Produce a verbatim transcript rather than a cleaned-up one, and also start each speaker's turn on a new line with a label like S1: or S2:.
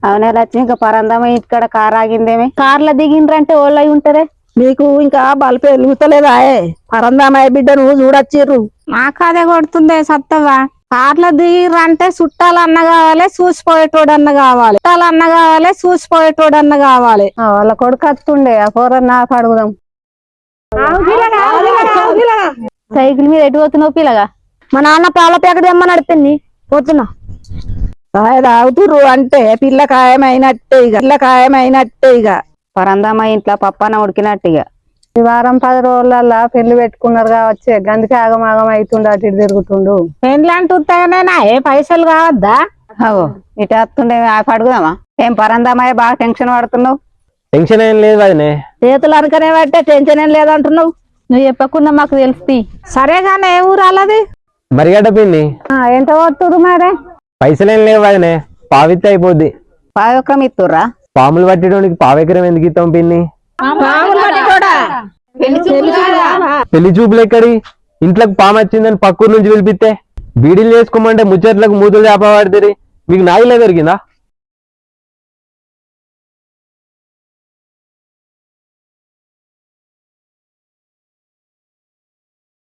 S1: అవునే లక్ష్మి, ఇంకా పరందమ్మ ఇక్కడ కార్ ఆగిందేమి? కార్లో దిగిండ్రంటే ఓళ్ళు అయి ఉంటారే.
S2: నీకు ఇంకా బల్బు వెలుగుతలేదా? పరందామయ్య బిడ్డ నువ్వు చూడొచ్చిర్రు.
S3: నాకు అదే కొడుతుందే సత్తవా. కార్లో దిగిర్రంటే చుట్టాలన్న కావాలి, చూసిపోయేటోడన్న కావాలి. చుట్టాలన్న కావాలి, చూసిపోయేటోడన్న కావాలి.
S1: వాళ్ళ కొడుకు వస్తుండే, ఆ కూర నాకు అడుగుదాం. సైకిల్ మీద ఎటు పోతున్నావు పిల్లగా?
S3: మా నాన్న పాల ప్యాకెట్ తెమ్మని అడిపింది, పోతున్నా.
S2: కాయ తాగుతుర్రు అంటే పిల్ల ఖాయమైనట్టే ఇక పిల్ల ఖాయమైనట్టే ఇక
S1: పరందమ్మ ఇంట్లో పప్పాన ఉడికినట్టు. ఇక ఈ వారం పది రోజులల్లా పెళ్లి పెట్టుకున్నారు కావచ్చే, గందుకే ఆగమాగం అవుతుండు, అటు ఇటు తిరుగుతుండు.
S3: పెండ్లి అంటున్నాయినా ఏ పైసలు కావద్దా?
S1: అవో ఇటు వస్తుండే అడుగుదామా? ఏం పరందమ్మాయి బాగా టెన్షన్ పడుతున్నావు?
S4: టెన్షన్ ఏం లేదు వదినే.
S2: చేతులు అనుకనే పట్టే టెన్షన్ ఏం లేదంటున్నావు.
S1: నువ్వు చెప్పకుండా మాకు తెలుస్తుంది.
S3: సరేగానే ఏ ఊరు అలది?
S4: మరిగడ్డ పిండి.
S1: ఎంత పోతురు మరి?
S4: పైసలేం లేవు వదినే, పావిత్తి అయిపోద్ది.
S1: పావెకరం ఇస్తుర్రా?
S4: పాములు పట్టడానికి పావెకరం ఎందుకు ఇస్తాం పిన్ని? పెళ్లి చూపులు ఎక్కడి? ఇంట్లోకి పాము వచ్చిందని పక్కూరు నుంచి పిలిపిస్తే బీడీలు చేసుకోమంటే ముచ్చట్లకు మూతులు చేప పడుతుంది. మీకు నాయిలే దొరికిందా?